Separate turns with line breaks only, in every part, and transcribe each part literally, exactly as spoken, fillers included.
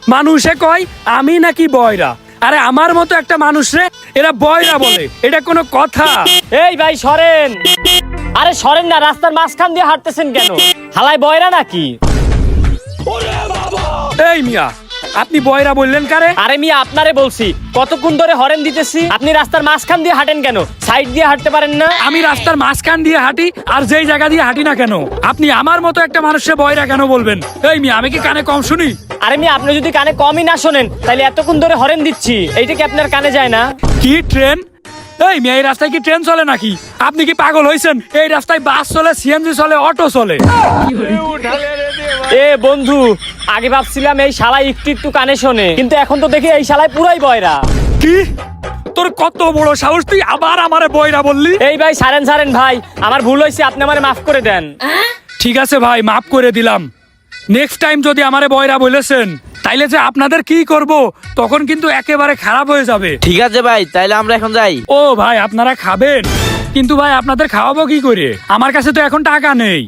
মানুষে কয় আমি নাকি বয়রা, আরে আমার মতো একটা মানুষ রে এরা বয়রা বলে, এটা কোনো কথা?
এই ভাই সরেন, আরে সরেন না, রাস্তার মাঝখান দিয়ে হাঁটতেছেন কেন? হালাই বয়রা নাকি?
এই মিয়া আপনি বয়রা বললেন কারে?
আরে মিয়া আপনারে বলছি, কতক্ষণ ধরে হরেন দিতেছি, আপনি রাস্তার মাঝখান দিয়ে হাঁটেন কেন? সাইড দিয়ে হাঁটতে পারেন না?
আমি রাস্তার মাঝখান দিয়ে হাঁটি আর যেই জায়গা দিয়ে হাঁটি না কেন, আপনি আমার মতো একটা মানুষের বয়রা কেন বলবেন? এই মিয়া আমি কি কানে কম শুনি?
আরে মিয়া আপনি যদি কানে কমই না শোনেন তাহলে এতক্ষণ ধরে হরেন দিচ্ছি, এইটা কি আপনার কানে যায় না?
কি ট্রেন? এই মিয়া এই রাস্তায় কি ট্রেন চলে নাকি? আপনি কি পাগল হয়েছেন? এই রাস্তায় বাস চলে, সিএনজি চলে, অটো চলে।
এ বন্ধু, আগে ভাবছিলাম এই শালাই একটু একটু কানে শোনে, কিন্তু এখন তো দেখি এই শালাই পুরাই বয়রা।
কি? তোর কত বড় সাহস, তুই আবার আমারে বয়রা বললি?
এই ভাই সারেন সারেন ভাই, আমার ভুল হয়েছে, আপনি আমারে মাফ করে দেন।
ঠিক আছে ভাই, মাফ করে দিলাম। নেক্সট টাইম যদি আমারে বয়রা বলেছেন তাইলে যে আপনাদের কি করব তখন কিন্তু একেবারে খারাপ হয়ে যাবে।
ঠিক আছে ভাই, তাইলে আমরা এখন যাই।
ও ভাই আপনারা খাবেন, কিন্তু ভাই আপনাদের খাওয়াবো কি করে? আমার কাছে তো এখন টাকা নেই।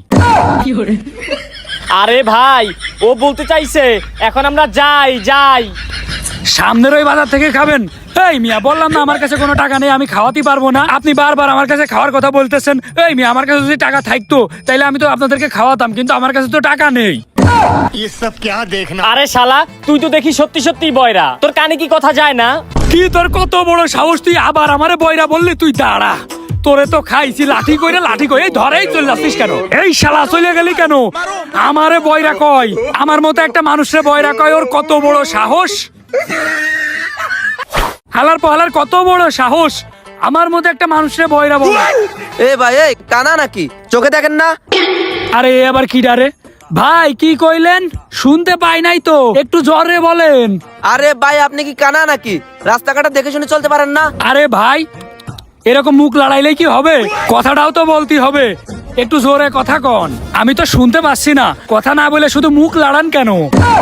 আরে ভাই ও বলতে চাইছে এখন আমরা যাই যাই
সামনের ওই বাজার থেকে খাবেন। এই মিয়া বললাম না আমার কাছে কোনো টাকা নেই, আমি খাওয়াতে পারবো না। আপনি বারবার আমার কাছে খাওয়ার কথা বলতেছেন। এই মিয়া আমার কাছে যদি টাকা থাকতো তাইলে আমি তো আপনাদেরকে খাওয়াতাম, কিন্তু আমার কাছে তো টাকা নেই।
ये सब क्या देखना।
আরে শালা তুই তো দেখি সত্যি সত্যি বয়রা, তোর কানে কি কথা যায় না?
কি তোর কত বড় সাহস, তুই আবার আমারে বয়রা বললি? তুই দাঁড়া, তোরে তো খাইছি লাঠি কইরে লাঠি কই, এই ধরেই চলে যাচ্ছিস কেন? এই শালা চলে গেলি কেন? আমারে বয়রা কয়, আমার মতো একটা মানুষের বয়রা কয়, ওর কত বড় সাহস! হালার পহালার কত বড় সাহস, আমার মতো একটা মানুষের বয়রা বলে।
এ ভাই, এই কানা নাকি? চোখে দেখেন না?
আরে এ আবার কি ডারে? ভাই কি কইলেন? শুনতে পাই নাই তো, একটু জোরে বলেন।
আরে ভাই, আপনি কি কানা নাকি? রাস্তাঘাটে দেখে শুনে চলতে পারেন না?
আরে ভাই এরকম মুখ লড়াইলে কি হবে? কথাটাও তো বলতে হবে, একটু জোরে কথা কন। আমি তো শুনতে পাচ্ছি না, কথা না বলে শুধু মুখ লড়ান কেন?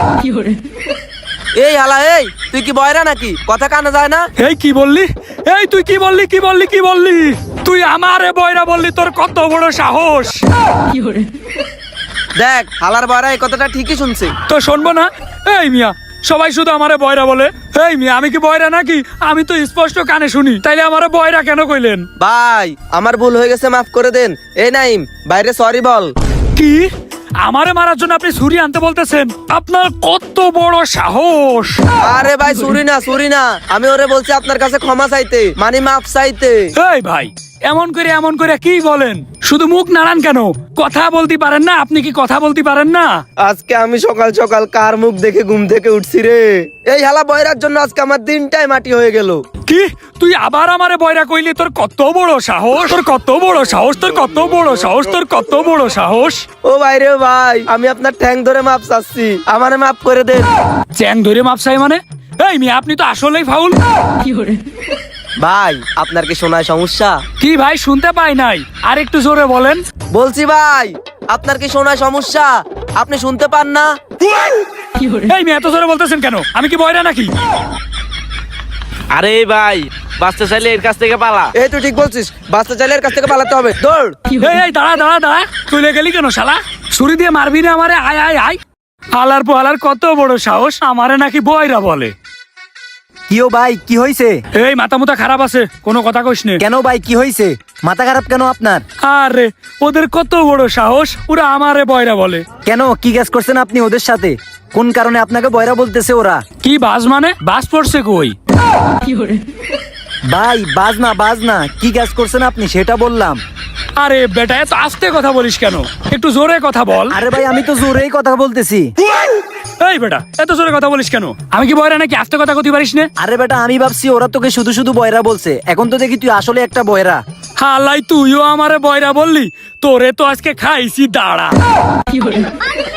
এই হালা, এই তুই কি বয়রা নাকি? কথা কানে যায় না?
এই কি বললি? এই তুই কি বললি? কি বললি? কি বললি? তুই আমারে বয়রা বললি? তোর কত বড় সাহস!
দেখ, হালার বয়রা এই কথাটা ঠিকই শুনছে।
তো শুনবো না? এই মিয়া সবাই শুধু আমারে বয়রা বলে। এই মিয়া আমি কি বয়রা নাকি? আমি তো স্পষ্ট কানে শুনি, তাইলে আমারে বয়রা কেন কইলেন?
ভাই আমার ভুল হয়ে গেছে, মাফ করে দেন। এই নাইম, বাইরে সরি বল।
কি? আমারে মারার জন্য আপনি ছুরি আনতে বলতেছেন? আপনার কত বড় সাহস!
আরে ভাই সুরি না, সুরি না, আমি ওরে বলছি আপনার কাছে ক্ষমা চাইতে, মানে মাফ চাইতে।
এই ভাই এমন করে এমন করে কি বলেন? শুধু মুখ নাড়ান কেন? কথা বলতে পারেন না? আপনি কি কথা বলতে পারেন না?
আজকে আমি সকাল সকাল কার মুখ দেখে ঘুম থেকে উঠছি রে? এই হালা বয়রার জন্য আজকে আমার দিনটাই মাটি হয়ে গেল।
কি? তুই আবার আমারে বয়রা কইলি? তোর কত বড় সাহস! তোর কত বড় সাহস! তোর কত বড় সাহস! তোর কত বড় সাহস!
ও ভাই রে ভাই, আমি আপনার ঠ্যাং ধরে মাপ চাচ্ছি, আমারে মাফ করে দেন।
চ্যাং ধরে মাপসাই মানে? এই মিয়া আপনি তো আসলেই ফাউল।
ভাই আপনার কি শোনায় সমস্যা?
কি ভাই শুনতে পাই নাই, আর একটু জোরে বলেন।
বলছি ভাই আপনার কি শোনায় সমস্যা? আপনি শুনতে পান না?
এই মিয়া এত জোরে বলতেছেন কেন? আমি কি বয়রা নাকি?
আরে ভাই, বাঁচতে চাইলে এর কাছ থেকে পালা।
এই তুই ঠিক বলছিস, বাচ্চা চাইলে এর কাছ থেকে পালাতে হবে, দৌড়।
এই এই দাঁড়া দাঁড়া দাঁড়া, চলে গেলি কেন শালা? ছুরি দিয়ে মারবি না আমারে? আয় আয় আয়। হালার পোহালার কত বড় সাহস, আমারে নাকি বয়রা বলে?
কিও ভাই, কি হয়েছে?
এই মাথা মুথা খারাপ আছে, কোনো কথা কইস নে।
কেন ভাই, কি হয়েছে? মাথা খারাপ কেন আপনার?
আরে ওদের কত বড় সাহস, ওরা আমারে বয়রা বলে।
কেন, কি কাজ করছেন আপনি ওদের সাথে? কোন কারণে আপনাকে বয়রা বলতেছে ওরা?
কি বাজ মানে? বাজ পড়ছে কই?
ভাই বাজ না, বাজ না, কি কাজ করছেন আপনি সেটা বললাম।
আরে বেটা এত আস্তে কথা বলিস কেন? একটু জোরে কথা বল।
আরে ভাই আমি তো জোরেই কথা বলতেছি।
এই বেটা এত জোরে কথা বলিস কেন? আমি কি বয়রা নাকি? আস্তে কথা কইতে পারিস না?
আরে বেটা আমি ভাবছি ওরা তোকে শুধু শুধু বয়রা বলছে, এখন তো দেখি তুই আসলে একটা বয়রা।
হালাই তুইও আমারে বয়রা বললি? তোরে তো আজকে খাইছি, দাঁড়া।